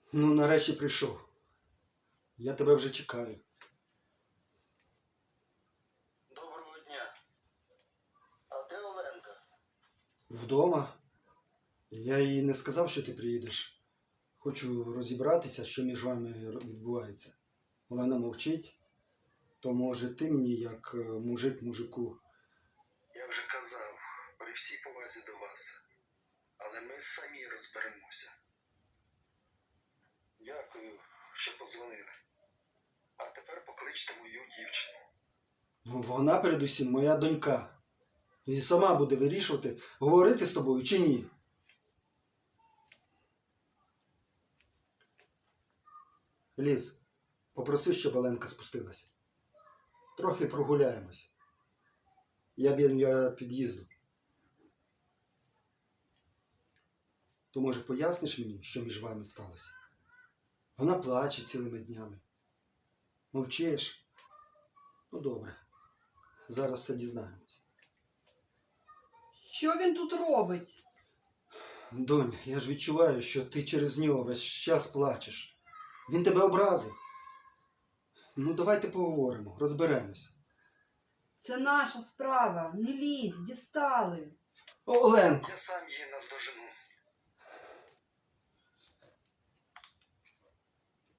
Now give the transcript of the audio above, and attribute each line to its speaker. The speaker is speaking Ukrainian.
Speaker 1: Ну, нарешті прийшов. Я тебе вже чекаю.
Speaker 2: Доброго дня. А де Оленка?
Speaker 1: Вдома. Я їй не сказав, що ти приїдеш. Хочу розібратися, що між вами відбувається. Олена мовчить. То може ти мені, як мужик мужику.
Speaker 2: Я вже казав, при всій повазі до вас. Але ми самі розберемося. Дякую, що подзвонили. А тепер покличте мою дівчину.
Speaker 1: Ну, вона передусім моя донька. І сама буде вирішувати, говорити з тобою чи ні. Ліз, попроси, щоб Оленка спустилася. Трохи прогуляємось. Я біля під'їзду. То, може, поясниш мені, що між вами сталося? Вона плаче цілими днями. Мовчиш? Ну, добре. Зараз все дізнаємось.
Speaker 3: Що він тут робить?
Speaker 1: Донь, я ж відчуваю, що ти через нього весь час плачеш. Він тебе образив. Ну, давайте поговоримо, розберемось.
Speaker 3: Це наша справа. Не лізь, дістали.
Speaker 1: Оленко!
Speaker 2: Я сам її наздожену.